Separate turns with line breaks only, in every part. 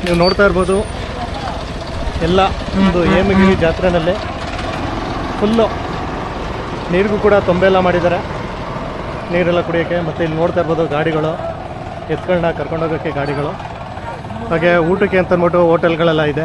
ನೀವು ನೋಡ್ತಾ ಇರ್ಬೋದು ಎಲ್ಲ ಒಂದು ಹೇಮಗಿರಿ ಜಾತ್ರೆಯಲ್ಲಿ ಫುಲ್ಲು ನೀರಿಗೂ ಕೂಡ ತೊಂಬೆ ಮಾಡಿದ್ದಾರೆ, ನೀರೆಲ್ಲ ಕುಡಿಯೋಕ್ಕೆ. ಮತ್ತು ಇಲ್ಲಿ ನೋಡ್ತಾ ಇರ್ಬೋದು ಗಾಡಿಗಳು, ಎತ್ಗಳನ್ನ ಕರ್ಕೊಂಡೋಗೋಕ್ಕೆ ಗಾಡಿಗಳು, ಹಾಗೆ ಊಟಕ್ಕೆ ಅಂತ ಅಂದ್ಬಿಟ್ಟು ಹೋಟೆಲ್ಗಳೆಲ್ಲ ಇದೆ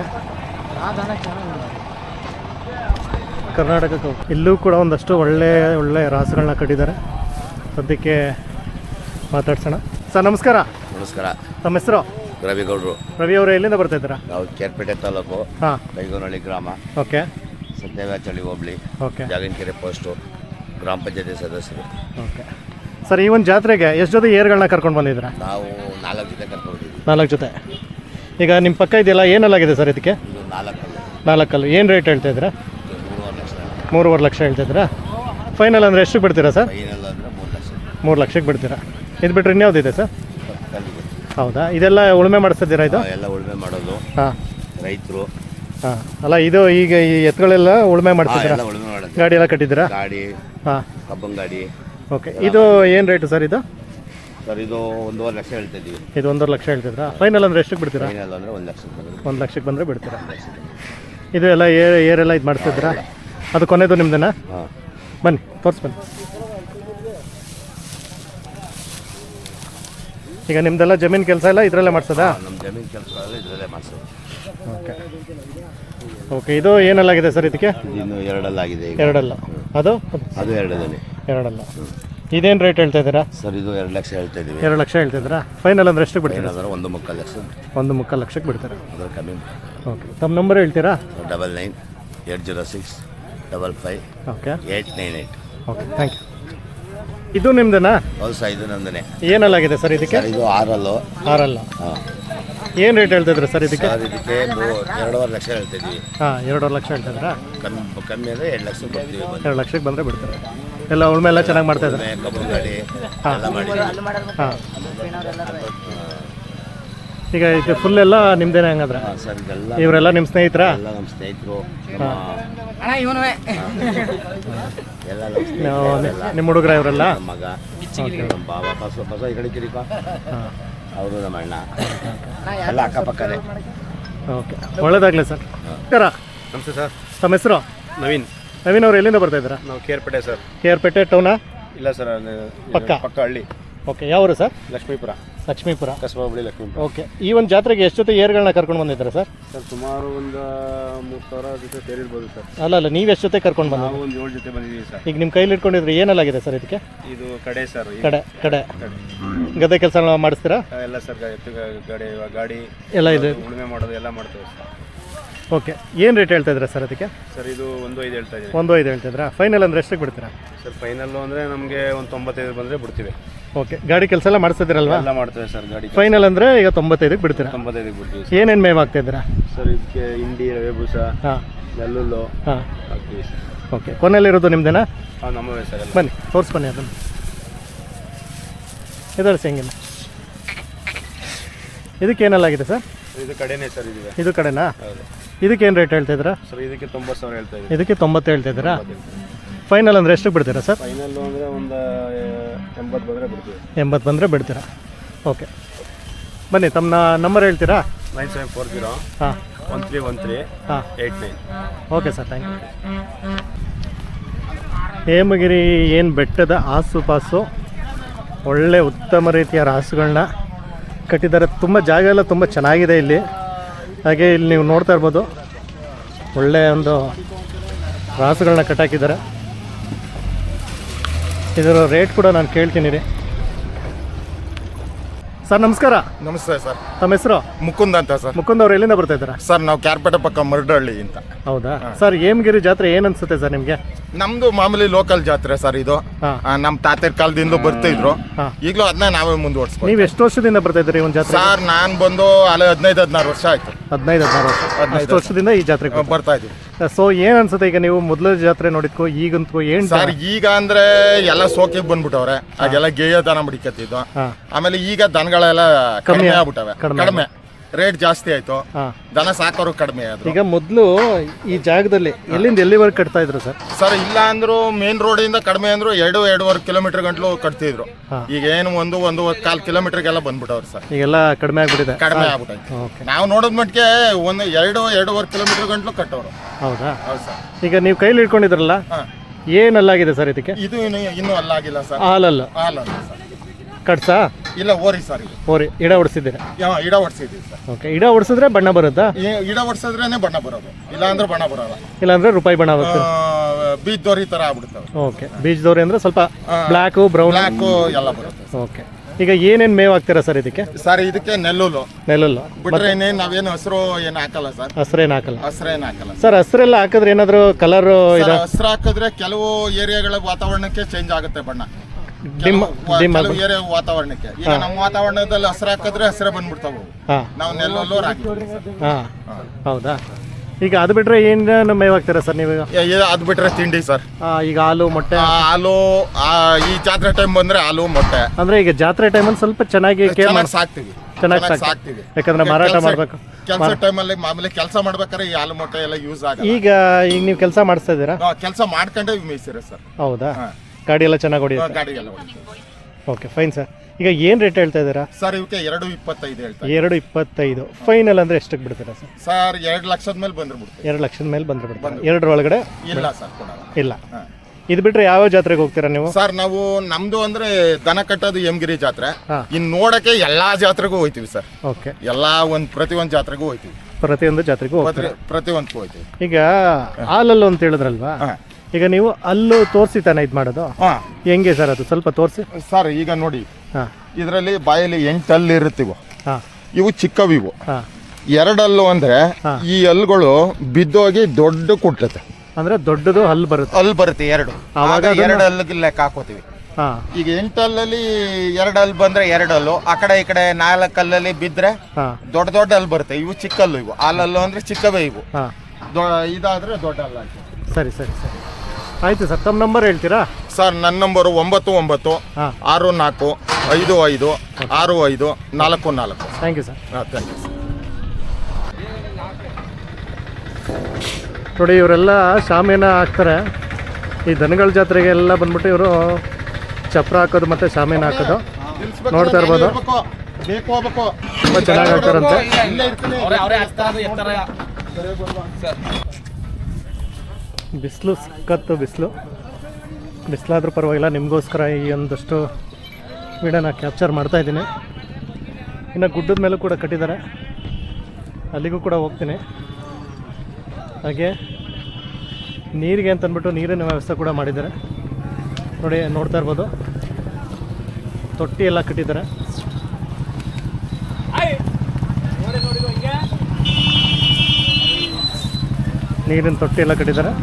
ಕರ್ನಾಟಕಕ್ಕೂ. ಇಲ್ಲೂ ಕೂಡ ಒಂದಷ್ಟು ಒಳ್ಳೆ ರಾಸುಗಳನ್ನ ಕಟ್ಟಿದ್ದಾರೆ. ಸದ್ಯಕ್ಕೆ ಮಾತಾಡ್ಸೋಣ. ಸರ್ ನಮಸ್ಕಾರ.
ನಮಸ್ಕಾರ.
ತಮ್ಮ ಹೆಸರು?
ರವಿಗೌಡರು.
ರವಿ ಅವರೇ, ಎಲ್ಲಿಂದ ಬರ್ತಾ ಇದ್ದೀರಾ?
ನಾವು ಕೇರ್ಪೇಟೆ ತಾಲೂಕು, ಬೈಗೋನಹಳ್ಳಿ ಗ್ರಾಮ,
ಓಕೆ,
ಸತ್ಯವ್ಯಾಚಳ್ಳಿ ಹೋಬಳಿ,
ಓಕೆ,
ಜಾಗನಕೆರೆ ಪೋಸ್ಟು, ಗ್ರಾಮ ಪಂಚಾಯತಿ ಸದಸ್ಯರು.
ಓಕೆ ಸರ್, ಈ ಒಂದು ಜಾತ್ರೆಗೆ ಎಷ್ಟು ಜೊತೆ ಏರ್ಗಳನ್ನ ಕರ್ಕೊಂಡು ಬಂದಿದ್ದೀರಾ?
ನಾವು 4 ಜೊತೆ ಕರ್ಕೊಂಡಿದ್ದೀವಿ.
4 ಜೊತೆ. ಈಗ ನಿಮ್ಮ ಪಕ್ಕ ಇದೆಯಲ್ಲ, ಏನಲ್ಲಾಗಿದೆ ಸರ್ ಇದಕ್ಕೆ?
ಇದು
4 ಏನು ರೇಟ್ ಹೇಳ್ತಾ ಇದ್ದೀರಾ?
3.5 ಲಕ್ಷ.
3.5 ಲಕ್ಷ ಹೇಳ್ತಿದ್ದೀರಾ? ಫೈನಲ್ ಅಂದರೆ ಎಷ್ಟು ಬಿಡ್ತೀರಾ ಸರ್?
ಫೈನಲ್ ಅಂದರೆ 3 ಲಕ್ಷ.
3 ಲಕ್ಷಕ್ಕೆ ಬಿಡ್ತೀರಾ. ಇದು ಬಿಟ್ಟರೆ ಇನ್ಯಾವುದಿದೆ ಸರ್?
ಕಲ್ಲಿಗೆ.
ಹೌದಾ? ಇದೆಲ್ಲ ಉಳುಮೆ ಮಾಡಿಸ್ತಿದ್ದೀರಾ ಇದು?
ಎಲ್ಲ ಉಳುಮೆ ಮಾಡೋದು.
ಹಾಂ,
ರೈತರು.
ಹಾಂ, ಅಲ್ಲ ಇದು ಈಗ ಈ ಎತ್ತುಗಳೆಲ್ಲ ಉಳುಮೆ ಮಾಡ್ತಿದ್ದೀರಾ?
ಉಳುಮೆ ಮಾಡೋದು.
ಗಾಡಿ ಎಲ್ಲ ಕಟ್ಟಿದ್ದೀರಾ?
ಗಾಡಿ,
ಹಾಂ,
ಕಬ್ಬನ್ ಗಾಡಿ.
ಓಕೆ. ಇದು ಏನು ರೇಟು ಸರ್ ಇದು?
ಸರ್ ಇದು 1.5 ಲಕ್ಷ ಹೇಳ್ತಾ ಇದ್ದೀವಿ.
ಇದು 1.5 ಲಕ್ಷ ಹೇಳ್ತಿದ್ರಾ? ಫೈನಲ್ ಅಂದರೆ ಎಷ್ಟಕ್ಕೆ ಬಿಡ್ತೀರಾ?
ಫೈನಲ್ ಅಂದರೆ 1 ಲಕ್ಷಕ್ಕೆ ಬಂದರೆ.
1 ಲಕ್ಷಕ್ಕೆ ಬಂದರೆ ಬಿಡ್ತೀರಾ? ಇದು ಎಲ್ಲ ಏರೆಲ್ಲ ಇದು ಮಾಡಿಸ್ತಿದ್ರಾ? ಅದು ಕೊನೆದು ನಿಮ್ದೇನಾ?
ಹಾಂ,
ಬನ್ನಿ ತೋರಿಸ್ಬನ್ನಿ. ಈಗ ನಿಮ್ದೆಲ್ಲ ಜಮೀನು ಕೆಲಸ ಎಲ್ಲ ಇದರಲ್ಲೇ ಮಾಡಿಸೋದಾ?
ನಮ್ಮ ಜಮೀನು ಕೆಲಸಗಳೆಲ್ಲ ಇದರಲ್ಲೇ ಮಾಡಿಸೋದು.
Okay okay. ಇದು ಏನಲ್ಲಾಗಿದೆ ಸರ್ ಇದಕ್ಕೆ?
ಇನ್ನು 2 ಆಗಿದೆ.
2 ಅದು
2
2 ಇದೇನು ರೇಟ್ ಹೇಳ್ತಾ ಇದ್ದೀರಾ?
ಸರ್ ಇದು 2 ಲಕ್ಷ ಹೇಳ್ತಾ ಇದ್ದೀವಿ.
2 ಲಕ್ಷ ಹೇಳ್ತಿದ್ದೀರಾ? ಫೈನಲ್ ಅಂದರೆ ಎಷ್ಟು ಬಿಡ್ತೀರಾ?
ಏನಾದರೂ 1.25 ಲಕ್ಷ.
1.25 ಲಕ್ಷಕ್ಕೆ ಬಿಡ್ತಾರೆ.
ಅದರ ಕಮ್ಮಿ.
ಓಕೆ, ತಮ್ಮ ನಂಬರ್ ಹೇಳ್ತೀರಾ?
99 806 55
ಓಕೆ
898.
Okay, thank you. ಇದು ನಿಮ್ದೇನಾ?
ಹೌದು ಸರ್, ಇದು ನಮ್ಮದೇ.
ಏನಲ್ಲಾಗಿದೆ ಸರ್ ಇದಕ್ಕೆ?
ಇದು 6
6
ಹಾಂ.
ಏನು ರೇಟ್ ಹೇಳ್ತಿದ್ರೆ ಸರ್ ಇದಕ್ಕೆ?
ಸರ್ ಇದಕ್ಕೆ 2.5 ಲಕ್ಷ ಹೇಳ್ತಾ ಇದ್ದೀವಿ.
ಹಾಂ, 2.5 ಲಕ್ಷ ಹೇಳ್ತಿದ್ರಾ?
ಕಮ್ಮಿ ಅಂದರೆ 2 ಲಕ್ಷ ಕೊಡ್ತೀವಿ.
2 ಲಕ್ಷಕ್ಕೆ ಬಂದರೆ ಬಿಡ್ತಾರೆ. ಎಲ್ಲ ಉಳುಮೆ ಎಲ್ಲ ಚೆನ್ನಾಗಿ ಮಾಡ್ತಾ ಇದ್ದಾರೆ.
ಕಬ್ಬನ್ ಗಾಡಿ ಎಲ್ಲ ಮಾಡಿದ್ದೀವಿ.
ಹಾಂ, ಈಗ ಇದು ಫುಲ್ ಎಲ್ಲ ನಿಮ್ದೇನೆ ಹಂಗಾದ್ರೆ?
ಹಾಂ ಸರ್, ಇದೆಲ್ಲ
ಇವರೆಲ್ಲ ನಿಮ್ಮ ಸ್ನೇಹಿತರಾ?
ಎಲ್ಲ ನಮ್ಮ ಸ್ನೇಹಿತರು. ಎಲ್ಲ
ನಿಮ್ಮ ಹುಡುಗರ ಇವರೆಲ್ಲ?
ನಮ್ಮ ಮಗ, ನಮ್ಮ ಬಾಬಾ, ಬಸ ಈ ಕಡೆ ಕಿರಿಪ, ಅವರು ನಮ್ಮ ಅಣ್ಣ ಎಲ್ಲ ಅಕ್ಕಪಕ್ಕದೇ.
ಓಕೆ, ಒಳ್ಳೇದಾಗಲಿ ಸರ್.
ನಮಸ್ತೆ ಸರ್.
ತಮ್ಮ ಹೆಸರು?
ನವೀನ್.
ನವೀನ್ ಅವರು ಎಲ್ಲಿಂದ ಬರ್ತಾ ಇದ್ದೀರಾ?
ನಾವು ಕೇರ್ಪೇಟೆ ಸರ್.
ಕೇರ್ಪೇಟೆ ಟೌನಾ?
ಇಲ್ಲ ಸರ್,
ಪಕ್ಕ
ಹಳ್ಳಿ.
ಓಕೆ, ಯಾವರು ಸರ್?
ಲಕ್ಷ್ಮೀಪುರ.
ಲಕ್ಷ್ಮೀಪುರ,
ಕಸಬಾ ಹೋಬಳಿ ಲಕ್ಷ್ಮೀಪುರ.
ಓಕೆ. ಈ ಒಂದು ಜಾತ್ರೆಗೆ ಎಷ್ಟು ಜೊತೆ ಏರ್ಗಳನ್ನ ಕರ್ಕೊಂಡು ಬಂದಿದ್ದೀರಾ ಸರ್?
ಸರ್ ಸುಮಾರು ಒಂದು 3,000 ಜೊತೆ ಸೇರಿರ್ಬೋದು ಸರ್.
ಅಲ್ಲ ನೀವು ಎಷ್ಟು ಜೊತೆ ಕರ್ಕೊಂಡು ಬಂದ?
ನಾವು ಒಂದು 7 ಜೊತೆ ಬಂದಿದ್ದೀವಿ ಸರ್.
ಈಗ ನಿಮ್ಮ ಕೈಲಿ ಇಟ್ಕೊಂಡಿದ್ರೆ ಏನಲ್ಲಾಗಿದೆ ಸರ್ ಇದಕ್ಕೆ?
ಇದು ಕಡೆ ಸರ್.
ಕಡೆ ಗದ್ದೆ ಕೆಲಸ ಮಾಡಿಸ್ತೀರಾ?
ಎಲ್ಲ ಸರ್, ಗಾಡಿ
ಎಲ್ಲ ಇದೆ,
ಉಳುಮೆ ಮಾಡೋದು ಎಲ್ಲ ಮಾಡ್ತೇವೆ ಸರ್.
ಓಕೆ. ಏನು ರೇಟ್ ಹೇಳ್ತಾ ಇದ್ದೀರಾ ಸರ್ ಅದಕ್ಕೆ?
ಸರ್ ಇದು 1.5 ಹೇಳ್ತಾ ಇದ್ದೀನಿ.
1.5 ಹೇಳ್ತಿದ್ರಾ? ಫೈನಲ್ ಅಂದರೆ ಎಷ್ಟಕ್ಕೆ ಬಿಡ್ತೀರಾ?
ಸರ್ ಫೈನಲ್ಲು ಅಂದರೆ ನಮಗೆ ಒಂದು 95 ಬಂದರೆ ಬಿಡ್ತೀವಿ.
ಓಕೆ. ಗಾಡಿ ಕೆಲಸ ಎಲ್ಲ ಮಾಡಿಸ್ತಿದ್ದೀರಲ್ವಾ?
ಎಲ್ಲ ಮಾಡ್ತೇವೆ ಸರ್. ಗಾಡಿ
ಫೈನಲ್ ಅಂದರೆ ಈಗ 95ಕ್ಕೆ ಬಿಡ್ತೀರಾ?
95ಗೆ ಬಿಡ್ತೀವಿ.
ಏನೇನು ಮೇವು ಹಾಕ್ತಿದ್ದೀರಾ
ಸರ್? ಇದಕ್ಕೆ ಹಿಂಡಿ, ರವೆ ಬೂಸ, ನೆಲ್ಲುಲ್ಲು ಹಾಕ್ತೀವಿ ಸರ್.
ಓಕೆ. ಕೊನೆಯಲ್ಲಿರೋದು ನಿಮ್ದೇನಾ?
ಹಾಂ, ನಮ್ಮವೇ ಸರ್. ಎಲ್ಲ
ಬನ್ನಿ ತೋರಿಸ್ಬನ್ನಿ ಅದನ್ನು. ಇದರ್ಸಿ ಹೆಂಗಿಲ್ಲ. ಇದಕ್ಕೆ ಏನಲ್ಲಾಗಿದೆ ಸರ್?
ಇದು ಕಡೆನೇ ಸರ್.
ಇದು ಕಡೆನಾ?
ಹೌದು.
ಇದಕ್ಕೆ ಏನು ರೇಟ್ ಹೇಳ್ತಿದ್ದೀರಾ
ಸರ್? ಇದಕ್ಕೆ 90,000 ಹೇಳ್ತಾ ಇದ್ದೀವಿ.
ಇದಕ್ಕೆ 90 ಹೇಳ್ತಿದ್ದೀರಾ? ಫೈನಲ್ ಅಂದರೆ ಎಷ್ಟಕ್ಕೆ ಬಿಡ್ತೀರಾ ಸರ್?
ಫೈನಲ್ಲು ಅಂದರೆ ಒಂದು 80 ಬಂದರೆ ಬಿಡ್ತೀವಿ.
80 ಬಂದರೆ ಬಿಡ್ತೀರಾ? ಓಕೆ, ಬನ್ನಿ. ತಮ್ಮ ನಂಬರ್ ಹೇಳ್ತೀರಾ?
9740
ಹಾಂ
1313
ಹಾಂ
89.
Okay sir, thank you. Hemagiri ಏನು ಬೆಟ್ಟದ ಆಸುಪಾಸು ಒಳ್ಳೆ ಉತ್ತಮ ರೀತಿಯ ರಾಸುಗಳನ್ನ ಕಟ್ಟಿದ್ದಾರೆ. ತುಂಬ ಜಾಗ ಎಲ್ಲ ತುಂಬ ಚೆನ್ನಾಗಿದೆ ಇಲ್ಲಿ. ಹಾಗೆ ಇಲ್ಲಿ ನೀವು ನೋಡ್ತಾ ಇರ್ಬೋದು, ಒಳ್ಳೆಯ ಒಂದು ರಾಸುಗಳನ್ನ ಕಟ್ಟಾಕಿದ್ದಾರೆ. ಇದರ ರೇಟ್ ಕೂಡ ನಾನು ಕೇಳ್ತೀನಿ ರೀ. ಸರ್ ನಮಸ್ಕಾರ.
ನಮಸ್ತೆ ಸರ್.
ತಮ್ಮ ಹೆಸರು?
ಮುಕುಂದ್ ಅಂತ ಸರ್.
ಮುಕುಂದ್ ಅವ್ರು ಎಲ್ಲಿಂದ ಬರ್ತಾ ಇದ್ದೀರಾ?
ಸರ್ ನಾವು ಕ್ಯಾರ್ಪೇಟೆ ಪಕ್ಕ ಮರಡಹಳ್ಳಿ ಅಂತ.
ಹೌದಾ ಸರ್? ಹೇಮಗಿರಿ ಜಾತ್ರೆ ಏನು ಅನ್ಸುತ್ತೆ ಸರ್ ನಿಮಗೆ?
ನಮ್ದು ಮಾಮೂಲಿ ಲೋಕಲ್ ಜಾತ್ರೆ ಸರ್ ಇದು. ನಮ್ಮ ತಾತರ ಕಾಲದಿಂದ ಬರ್ತಿದ್ರು, ಈಗಲೂ ಅದನ್ನ ನಾವೇ ಮುಂದುವರ್ಸ್ಕೊಂಡು.
ನೀವು ಎಷ್ಟು ವರ್ಷದಿಂದ ಬರ್ತಾ ಇದ್ದೀರಿ ಒಂದು ಜಾತ್ರೆ?
ಸರ್ ನಾನು ಬಂದು ಅಲ್ಲೇ 15-16 ವರ್ಷ ಆಯ್ತು.
15-16 ವರ್ಷ. 15 ವರ್ಷದಿಂದ ಈ ಜಾತ್ರೆಗೆ
ಬರ್ತಾ ಇದೀವಿ.
ಸೊ ಏನು ಅನ್ಸುತ್ತೆ ಈಗ ನೀವು ಮೊದಲ ಜಾತ್ರೆ ನೋಡಿದ್ಕೋ ಈಗಂತೂ ಏನು
ಸರ್? ಈಗ ಅಂದ್ರೆ ಎಲ್ಲ ಸೋಕಿಗೆ ಬಂದ್ಬಿಟ್ಟವ್ರೆ, ಆಗೆಲ್ಲ ಗೇಯ ದನ ಬಿಡಿಕತ್ತಿದ್ದು. ಆಮೇಲೆ ಈಗ ದನಗಳೆಲ್ಲ ಕಡಿಮೆ ಆಗ್ಬಿಟ್ಟವೆ. ಕಡಿಮೆ ರೇಟ್ ಜಾಸ್ತಿ ಆಯ್ತು,
ಹಾಂ.
ದನ ಸಾಕೋರು ಕಡಿಮೆ ಆದ್ರು.
ಈಗ ಮೊದಲು ಈ ಜಾಗದಲ್ಲಿ ಎಲ್ಲಿಂದ ಎಲ್ಲಿವರೆಗೆ ಕಟ್ತಾ ಇದ್ರು ಸರ್?
ಸರ್ ಇಲ್ಲ ಅಂದ್ರು ಮೇನ್ ರೋಡಿಂದ ಕಡಿಮೆ ಅಂದ್ರು 2-2.5 ಕಿಲೋಮೀಟರ್ ಗಂಟ್ಲು ಕಟ್ತಿದ್ರು.
ಹಾಂ.
ಈಗ ಏನು 1-1.25 ಕಿಲೋಮೀಟರ್ಗೆಲ್ಲ ಬಂದ್ಬಿಟ್ಟವ್ರು ಸರ್.
ಈಗೆಲ್ಲ ಕಡಿಮೆ ಆಗ್ಬಿಟ್ಟಿದೆ.
ಕಡಿಮೆ ಆಗ್ಬಿಟ್ಟೈತೆ.
ಓಕೆ.
ನಾವು ನೋಡೋದ್ ಮಟ್ಟಿಗೆ 2-2.5 ಕಿಲೋಮೀಟರ್ ಗಂಟ್ಲು ಕಟ್ಟೋರು.
ಹೌದಾ?
ಹೌದು ಸರ್.
ಈಗ ನೀವು ಕೈಲಿ ಇಟ್ಕೊಂಡಿದ್ರಲ್ಲ,
ಹಾಂ.
ಏನಲ್ಲಾಗಿದೆ ಸರ್ ಇದಕ್ಕೆ?
ಇದು ಇನ್ನೂ ಅಲ್ಲಾಗಿಲ್ಲ ಸರ್.
ಹಾಲಲ್ಲ
ಹಾಲಲ್ಲ ಸರ್.
ಕಟ್ಸಾ?
ಇಲ್ಲ ಓರಿ ಸರ್. ಇದು
ಓರಿ ಇಡ ಹೊಡ್ಸಿದ್ದೀರಾ?
ಇಡ ಹೊಡ್ಸಿದ್ದೀವಿ ಸರ್.
ಓಕೆ. ಇಡ ಹೊಡ್ಸಿದ್ರೆ ಬಣ್ಣ ಬರುತ್ತಾ?
ಇಡ ಹೊಡ್ಸಿದ್ರೇನೆ ಬಣ್ಣ ಬರೋದು, ಇಲ್ಲ ಅಂದ್ರೆ ಬಣ್ಣ ಬರೋಲ್ಲ.
ಇಲ್ಲಾಂದ್ರೆ ರೂಪಾಯಿ ಬಣ್ಣ ಬರುತ್ತೆ.
ಬೀಜ್ ದೋರಿ ತರ ಆಗ್ಬಿಡ್ತವೆ.
ಓಕೆ. ಬೀಜದವ್ರಿ ಅಂದ್ರೆ ಸ್ವಲ್ಪ ಬ್ಲ್ಯಾಕು ಬ್ರೌನ್
ಬ್ಲ್ಯಾಕು ಎಲ್ಲ ಬರುತ್ತೆ.
ಓಕೆ. ಈಗ ಏನೇನು ಮೇವು ಹಾಕ್ತೀರಾ ಸರ್ ಇದಕ್ಕೆ?
ಸರ್ ಇದಕ್ಕೆ ನೆಲ್ಲುಲು
ನೆಲ್ಲಲ್ಲು
ಬಿಟ್ರೆ ಇನ್ನೇನು ನಾವೇನು ಹಸಿರು ಏನು ಹಾಕಲ್ಲ ಸರ್.
ಹಸ್ರೇನು ಹಾಕಲ್ಲ
ಹಸ್ರೇನು ಹಾಕಲ್ಲ
ಸರ್? ಹಸ್ರೆಲ್ಲ ಹಾಕಿದ್ರೆ ಏನಾದರೂ ಕಲರ್ ಇದೆ?
ಹಸ್ರು ಹಾಕಿದ್ರೆ ಕೆಲವು ಏರಿಯಾಗಳ ವಾತಾವರಣಕ್ಕೆ ಚೇಂಜ್ ಆಗುತ್ತೆ ಬಣ್ಣ.
ಡಿಮ್ ಡಿಮ್
ಕೆಲವು ಏರಿಯಾ ವಾತಾವರಣಕ್ಕೆ. ಈಗ ನಮ್ಮ ವಾತಾವರಣದಲ್ಲಿ ಹಸ್ರು ಹಾಕಿದ್ರೆ ಹಸ್ರೇ ಬಂದ್ಬಿಡ್ತಾವೆ.
ಹಾಂ
ನಾವು ನೆಲ್ಲುಲು ಹಾಕಿದ್ವಿ.
ಹಾಂ. ಹೌದಾ? ಈಗ ಅದು ಬಿಟ್ರೆ ಏನು ಮೇವು ಹಾಕ್ತೀರಾ ಸರ್ ನೀವು?
ಅದು ಬಿಟ್ರೆ ತಿಂಡಿ ಸರ್.
ಈಗ ಹಾಲು ಮೊಟ್ಟೆ?
ಹಾಲು ಈ ಜಾತ್ರೆ ಟೈಮ್ ಬಂದ್ರೆ ಹಾಲು ಮೊಟ್ಟೆ.
ಅಂದ್ರೆ ಈಗ ಜಾತ್ರೆ ಟೈಮಲ್ಲಿ ಸ್ವಲ್ಪ ಚೆನ್ನಾಗಿ ಕೇರ್ ಮಾಡಿ
ಸಾಕ್ತಿವಿ.
ಚೆನ್ನಾಗಿ ಸಾಕ್ತಿವಿ, ಯಾಕಂದ್ರೆ ಮಾರಾಟ ಮಾಡಬೇಕು.
ಕೆಲಸ ಟೈಮಲ್ಲಿ ಮಾಮೂಲಿ ಕೆಲಸ ಮಾಡ್ಬೇಕಾದ್ರೆ ಈ ಹಾಲು ಮೊಟ್ಟೆ ಎಲ್ಲ ಯೂಸ್ ಆಗ.
ಈಗ ನೀವು ಕೆಲಸ ಮಾಡಿಸ್ತಾ ಇದ್ದೀರಾ?
ಕೆಲಸ ಮಾಡ್ಕೊಂಡೆ ಮೇಯಿಸಿರ ಸರ್.
ಹೌದಾ? ಗಾಡಿ ಎಲ್ಲ ಚೆನ್ನಾಗಿ ಹೊಡಿಯುತ್ತೆ?
ಗಾಡಿ ಎಲ್ಲ ಹೊಡಿತೀವಿ.
Okay, fine sir. ಈಗ ಏನು ರೇಟ್ ಹೇಳ್ತಾ ಇದ್ದೀರಾ
ಸರ್? ಇವಕ್ಕೆ 2.25 ಹೇಳ್ತಾರೆ.
2.25 ಫೈನಲ್ ಅಂದ್ರೆ ಎಷ್ಟಕ್ಕೆ ಬಿಡ್ತೀರಾ ಸರ್?
ಸರ್ 2 ಲಕ್ಷದ ಮೇಲೆ ಬಂದ್ರೆ ಬಿಡ್ತೀವಿ.
2 ಲಕ್ಷದ ಮೇಲೆ ಬಂದ್ರೆ ಬಿಡ್ತೀರಾ? 2 ಒಳಗಡೆ
ಇಲ್ಲ ಸರ್, ಕೊಡಲ್ಲ.
ಇಲ್ಲ. ಇದು ಬಿಟ್ರೆ ಯಾವ ಜಾತ್ರೆಗೆ ಹೋಗ್ತೀರಾ ನೀವು?
ಸರ್ ನಾವು ನಮ್ದು ಅಂದ್ರೆ ದನ ಕಟ್ಟೋದು ಹೇಮಗಿರಿ ಜಾತ್ರೆ.
ಹಾ.
ಇನ್ ನೋಡಕ್ಕೆ ಎಲ್ಲಾ ಜಾತ್ರೆಗೂ ಹೋಯ್ತಿವಿ ಸರ್.
ಓಕೆ.
ಎಲ್ಲಾ ಪ್ರತಿಯೊಂದು ಜಾತ್ರೆಗೂ ಹೋಯ್ತಿವಿ.
ಪ್ರತಿಯೊಂದು ಜಾತ್ರೆಗೂ ಹೋಗ್ತೀರಾ?
ಪ್ರತಿಯೊಂದಕ್ಕೂ ಹೋಯ್ತಿವಿ.
ಈಗ ಹಾಲಲ್ಲು ಅಂತ ಹೇಳಿದ್ರಲ್ವಾ, ಈಗ ನೀವು ಅಲ್ಲೂ ತೋರಿಸಿ ತಾನೆ ಇದು ಮಾಡೋದು? ಹೆಂಗೆ ಸರ್ ಅದು ಸ್ವಲ್ಪ ತೋರಿಸಿ
ಸರ್. ಈಗ ನೋಡಿ,
ಹಾಂ,
ಇದರಲ್ಲಿ ಬಾಯಲ್ಲಿ 8 ಹಲ್ಲು ಇರುತ್ತಿವು.
ಹಾಂ,
ಇವು ಚಿಕ್ಕವಿವು.
ಹಾಂ.
2 ಹಲ್ಲು ಅಂದ್ರೆ ಈ ಹಲ್ಲುಗಳು ಬಿದ್ದೋಗಿ ದೊಡ್ಡ ಕುಟ್ಲತ್ತೆ.
ಅಂದ್ರೆ ದೊಡ್ಡದು ಹಲ್ಲು ಬರುತ್ತೆ?
ಹಲ್ಲು ಬರುತ್ತೆ 2. ಆವಾಗ 2 ಹಲ್ಲಿಗೆ ಲೆಕ್ಕ ಹಾಕೋತೀವಿ.
ಹಾಂ.
ಈಗ 8 ಹಲ್ಲಲ್ಲಿ 2 ಹಲ್ಲು ಬಂದ್ರೆ 2 ಹಲ್ಲು, ಆ ಕಡೆ ಈ ಕಡೆ 4 ಹಲ್ಲಲ್ಲಿ ಬಿದ್ರೆ ದೊಡ್ಡ ದೊಡ್ಡ ಹಲ್ಲು ಬರುತ್ತೆ. ಇವು ಚಿಕ್ಕಲ್ಲು. ಇವು ಹಾಲಲ್ಲು ಅಂದ್ರೆ ಚಿಕ್ಕವೇ ಇವು. ಇದಾದ್ರೆ ದೊಡ್ಡ ಹಲ್ಲು ಆಯ್ತು.
ಸರಿ ಸರಿ ಸರಿ, ಆಯ್ತು ಸರ್. ತಮ್ಮ ನಂಬರ್ ಹೇಳ್ತೀರಾ
ಸರ್? ನನ್ನ ನಂಬರು 99
ಹಾಂ
64 55 65 44.
Thank you sir.
Thank you sir.
ನೋಡಿ, ಇವರೆಲ್ಲ ಶಾಮಿಯಾನ ಹಾಕ್ತಾರೆ. ಈ ದನಗಳ ಜಾತ್ರೆಗೆ ಎಲ್ಲ ಬಂದ್ಬಿಟ್ಟು ಇವರು ಚಪ್ರ ಹಾಕೋದು ಮತ್ತು ಶಾಮಿಯಾನ ಹಾಕೋದು ನೋಡ್ತಾ ಇರ್ಬೋದು. ತುಂಬ ಚೆನ್ನಾಗಿ ಹಾಕ್ತಾರಂತೆ. ಬಿಸಿಲು ಸಿಕ್ಕತ್ತು, ಬಿಸಿಲಾದ್ರೂ ಪರವಾಗಿಲ್ಲ. ನಿಮಗೋಸ್ಕರ ಈ ಒಂದಷ್ಟು ವಿಡಿಯೋನ ಕ್ಯಾಪ್ಚರ್ ಮಾಡ್ತಾಯಿದ್ದೀನಿ. ಇನ್ನು ಗುಡ್ಡದ ಮೇಲೂ ಕೂಡ ಕಟ್ಟಿದ್ದಾರೆ, ಅಲ್ಲಿಗೂ ಕೂಡ ಹೋಗ್ತೀನಿ. ಹಾಗೆ ನೀರಿಗೆ ಅಂತಂದ್ಬಿಟ್ಟು ನೀರಿನ ವ್ಯವಸ್ಥೆ ಕೂಡ ಮಾಡಿದ್ದಾರೆ. ನೋಡಿ, ನೋಡ್ತಾ ಇರ್ಬೋದು, ತೊಟ್ಟಿ ಎಲ್ಲ ಕಟ್ಟಿದ್ದಾರೆ. ನೀರಿನ ತೊಟ್ಟಿ ಎಲ್ಲ ಕಟ್ಟಿದ್ದಾರೆ.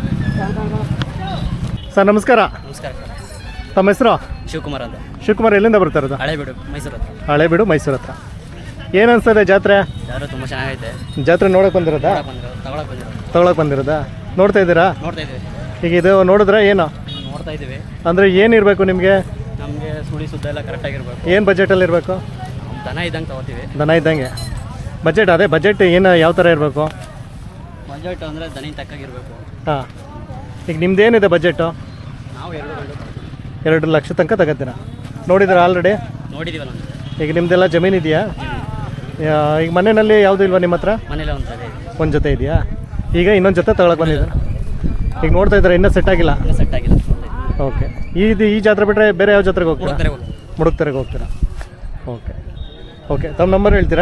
ಸರ್ ನಮಸ್ಕಾರ.
ನಮಸ್ಕಾರ.
ತಮ್ಮ ಹೆಸರು?
ಶಿವಕುಮಾರ್ ಅಂತ.
ಶಿವಕುಮಾರ್, ಎಲ್ಲಿಂದ ಬರ್ತಾ ಇರೋದು?
ಹಳೇಬೀಡು, ಮೈಸೂರು ಹತ್ರ.
ಹಳೇಬೀಡು, ಮೈಸೂರು ಹತ್ರ. ಏನು ಅನಿಸ್ತದೆ ಜಾತ್ರೆ?
ಯಾರು ತುಂಬ ಚೆನ್ನಾಗೈತೆ.
ಜಾತ್ರೆ ನೋಡೋಕೆ ಬಂದಿರೋದಾ? ತಗೊಳಕ್ಕೆ ಬಂದಿರೋದಾ? ನೋಡ್ತಾ ಇದ್ದೀರಾ?
ನೋಡ್ತಾ ಇದ್ದೀವಿ.
ಈಗ ಇದು ನೋಡಿದ್ರೆ ಏನು
ನೋಡ್ತಾ ಇದ್ದೀವಿ.
ಅಂದರೆ ಏನಿರಬೇಕು ನಿಮಗೆ?
ನಮಗೆ ಸುಳಿ ಸುದ್ದ ಎಲ್ಲ ಕರೆಕ್ಟಾಗಿರ್ಬೇಕು.
ಏನು ಬಜೆಟಲ್ಲಿ ಇರಬೇಕು?
ದನ ಇದ್ದಂಗೆ ತಗೋತೀವಿ.
ದನ ಇದ್ದಂಗೆ ಬಜೆಟ್. ಅದೇ ಬಜೆಟ್ ಏನು ಯಾವ ಥರ ಇರಬೇಕು?
ಬಜೆಟ್ ಅಂದರೆ ದನಿ ತಕ್ಕಾಗಿರ್ಬೇಕು.
ಹಾಂ. ಈಗ ನಿಮ್ದೇನಿದೆ ಬಜೆಟು?
ನಾವು
2 ಲಕ್ಷ ತನಕ ತಗೋತೀರಾ? ನೋಡಿದ್ರೆ ಆಲ್ರೆಡಿ
ನೋಡಿದ್ದೀವಲ್ಲ ಒಂದು.
ಈಗ ನಿಮ್ಮದೆಲ್ಲ ಜಮೀನು ಇದೆಯಾ? ಈಗ ಮನೆಯಲ್ಲಿ ಯಾವುದೂ ಇಲ್ವಾ ನಿಮ್ಮ ಹತ್ರ?
ಮನೇಲಿ ಒಂದು ಇದೆ.
ಒಂದು ಜೊತೆ ಇದೆಯಾ? ಈಗ ಇನ್ನೊಂದು ಜೊತೆ ತಗೊಳಕ್ಕೆ ಬಂದಿದ್ದಾರೆ. ಈಗ ನೋಡ್ತಾ ಇದ್ದಾರೆ, ಇನ್ನೂ ಸೆಟ್ ಆಗಿಲ್ಲ?
ಇನ್ನೂ ಸೆಟ್ ಆಗಿಲ್ಲ.
ಓಕೆ. ಈ ಜಾತ್ರೆ ಬಿಟ್ಟರೆ ಬೇರೆ ಯಾವ ಜಾತ್ರೆಗೆ ಹೋಗ್ತೀರಾ? ಮುಡುಕ್ತೆರೆಗೆ ಹೋಗ್ತೀರಾ? Okay okay. ತಮ್ಮ ನಂಬರ್ ಹೇಳ್ತೀರಾ?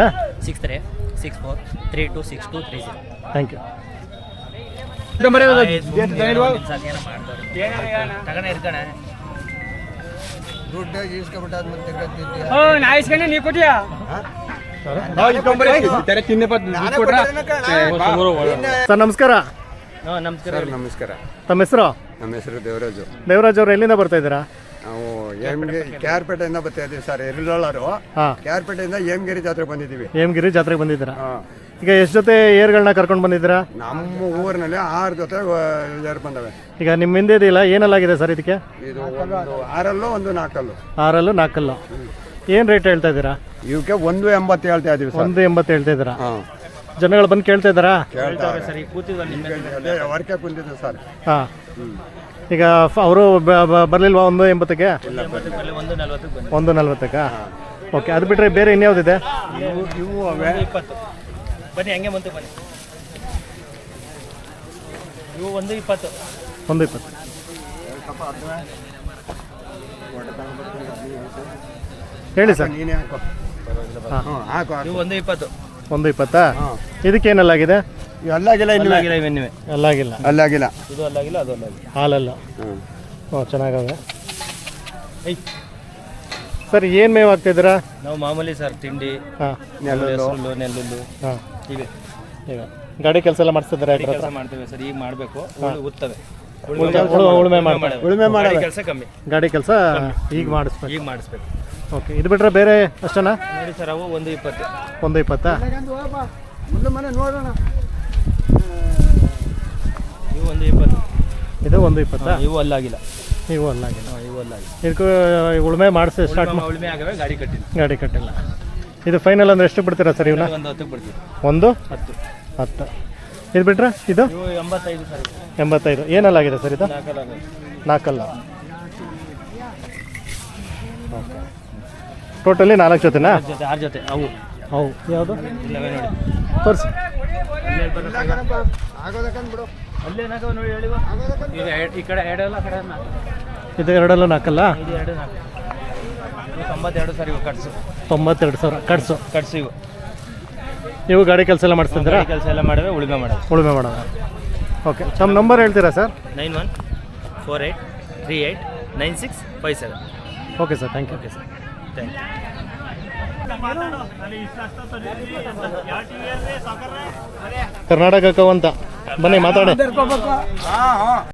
6364326230.
Thank you. ಸರ್ ನಮಸ್ಕಾರ.
ನಮಸ್ಕಾರ.
ನಮಸ್ಕಾರ.
ತಮ್ಮ ಹೆಸರು?
ನಮ್ಮ ಹೆಸರು ದೇವರಾಜು.
ದೇವರಾಜ್ ಅವರು ಎಲ್ಲಿಂದ ಬರ್ತಾ ಇದ್ದೀರಾ?
ನಾವು KR ಪೇಟೆಯಿಂದ ಬರ್ತಾ ಇದ್ದೀವಿ ಸರ್. ಎರಿಲೋಳರು.
ಹಾಂ.
KR ಪೇಟೆಯಿಂದ ಹೇಮಗಿರಿ ಜಾತ್ರೆ ಬಂದಿದ್ದೀವಿ.
ಹೇಮಗಿರಿ ಜಾತ್ರೆಗೆ ಬಂದಿದ್ದೀರಾ? ಈಗ ಎಷ್ಟು ಜೊತೆ ಏರ್ಗಳನ್ನ ಕರ್ಕೊಂಡು ಬಂದಿದ್ದೀರಾ?
ನಮ್ಮ ಊರಿನಲ್ಲಿ 6 ಜೊತೆ ಏರ್ ಬಂದವೆ.
ಈಗ ನಿಮ್ಮ ಹಿಂದೆ ಇದೆಯಲ್ಲ, ಏನಲ್ಲಾಗಿದೆ ಸರ್ ಇದಕ್ಕೆ?
ಇದು ಒಂದು 6 ಹಲ್ಲು, ಒಂದು 4 ಹಲ್ಲು.
6 ಹಲ್ಲು, 4 ಹಲ್ಲು. ಏನು ರೇಟ್ ಹೇಳ್ತಾ ಇದ್ದೀರಾ?
ಇವಕ್ಕೆ 180 ಹೇಳ್ತಾ ಇದೀವಿ ಸರ್.
180 ಹೇಳ್ತಾ ಇದ್ದೀರಾ?
ಹಾಂ,
ಜನಗಳು ಬಂದು ಕೇಳ್ತಾ ಇದ್ದಾರಾ?
ಹೇಳ್ತಾವ್ರೆ ಸರ್, ಈಗ ಕೂತಿದ್ವಲ್ಲ ನಿಮ್ಮ
ಅದೇ ವರ್ಕೆ ಕುಂತಿದೆ ಸರ್.
ಹಾಂ, ಈಗ ಅವರು ಬರಲಿಲ್ವಾ 180ಗೆ?
140 ಬನ್ನಿ.
140ಕ್ಕಾ? ಓಕೆ, ಅದು ಬಿಟ್ಟರೆ ಬೇರೆ ಇನ್ಯಾವುದಿದೆ?
ಇವು ಅವೇ
20 ಬನ್ನಿ, ಹಂಗೆ ಬಂತು ಬನ್ನಿ. ಇವು 120.
120. ಹೇಳಿ ಸರ್.
ನೀನೇ ಹಾಕೋ.
ಹಾಂ,
ಹ್ಞೂ, ಹಾಕು ಹಾಕು.
ಇವು 120.
120? ಇದಕ್ಕೇನಲ್ಲಾಗಿದೆ?
ಅಲ್ಲಾಗಿಲ್ಲ ಇನ್ನೂ.
ಅಲ್ಲಾಗಿಲ್ಲ ಇವೆನ್ನಿವೆ.
ಅಲ್ಲಾಗಿಲ್ಲ.
ಅಲ್ಲಾಗಿಲ್ಲ.
ಇದು ಅಲ್ಲಾಗಿಲ್ಲ, ಅದು ಅಲ್ಲಾಗಿಲ್ಲ.
ಹಾಲಲ್ಲ.
ಹ್ಞೂ.
ಓ, ಚೆನ್ನಾಗವೆ.
ಐ
ಸರ್, ಏನು ಮೇವು ಹಾಕ್ತಿದ್ದೀರಾ?
ನಾವು ಮಾಮೂಲಿ ಸರ್ ತಿಂಡಿ,
ಹಾಂ
ಹೆಸರು, ನೆಲ್ಲುಲ್ಲು
ಹಾಂ.
ಇವೆ.
ಈಗ ಗಾಡಿ ಕೆಲಸ ಎಲ್ಲ ಮಾಡಿಸ್ತಿದ್ದಾರೆ
ಗಾಡಿ ಕೆಲಸ ಮಾಡ್ತೇವೆ ಸರ್, ಈಗ ಮಾಡಬೇಕು. ಉತ್ತವೆ
ಉಳುಮೆ ಮಾಡಿ
ಉಳುಮೆ ಮಾಡಿ
ಕೆಲಸ ಕಮ್ಮಿ,
ಗಾಡಿ ಕೆಲಸ ಈಗ ಮಾಡಿಸ್ಬೇಕು.
ಈಗ ಮಾಡಿಸ್ಬೇಕು.
ಓಕೆ, ಇದು ಬಿಟ್ಟರೆ ಬೇರೆ ಅಷ್ಟೇನಾ?
ನೋಡಿ ಸರ್, ಅವು 120.
120?
ಮುಂದೆ ಮನೆ ನೋಡೋಣ.
ಇವು 120.
ಇದು 120?
ಇವು ಅಲ್ಲಾಗಿಲ್ಲ.
ನೀವು ಅಲ್ಲಾಗಿಲ್ಲ.
ಇವು ಅಲ್ಲಾಗಿಲ್ಲ.
ಇದಕ್ಕೂ ಉಳುಮೆ ಮಾಡಿಸಿ ಸ್ಟಾರ್ಟ್
ಉಳುಮೆ ಆಗವೆ, ಗಾಡಿ ಕಟ್ಟಿಲ್ಲ.
ಗಾಡಿ ಕಟ್ಟಿಲ್ಲ. ಇದು ಫೈನಲ್ ಅಂದ್ರೆ ಎಷ್ಟು ಬಿಡ್ತೀರಾ ಸರ್ ಇವನ್ನ?
ಒಂದು 10ಕ್ಕೆ ಬಿಡ್ತೀವಿ.
10. ಇದು ಬಿಟ್ರೆ ಇದು
ಇವು 85 ಸರ್.
85. ಏನಲ್ಲಾಗಿದೆ ಸರ್ ಇದು? 4 ಓಕೆ. ಟೋಟಲಿ 4 ಜೊತೆನಾ?
6 ಜೊತೆ ಅವು.
ಅವು ಯಾವುದು?
ಇಲ್ಲವೇ ನೋಡಿ.
ತೋರಿಸಿ.
ಆಗೋದಕ್ಕಂದ್ ಬಿಡು.
ಅಲ್ಲೇನಾಗವ ನೋಡಿ ಹೇಳಿವ. ಈಗ ಈ ಕಡೆ ಎರಡಲ್ಲ, ಆ ಕಡೆ 4.
ಇದು ಎರಡಲ್ಲೂ 4?
ಇದು 2 4. ಇವು 92 ಸರ್. ಇವು ಕಟ್ಸು
92,000 ಕಟ್ಸು.
ಕಟ್ಸು ಇವು.
ನೀವು ಗಾಡಿ ಕೆಲಸ ಎಲ್ಲ ಮಾಡಿಸ್ತಿದ್ದೀರಾ?
ಕೆಲಸ ಎಲ್ಲ ಮಾಡವೆ, ಉಳುಮೆ ಮಾಡೋದು.
ಉಳುಮೆ ಮಾಡೋದು. ಓಕೆ, ತಮ್ಮ ನಂಬರ್ ಹೇಳ್ತೀರಾ sir?
9148389657.
Okay sir, thank you.
Okay sir, thank you.
Karnataka ಅಂತ ಬನ್ನಿ ಮಾತಾಡಿ.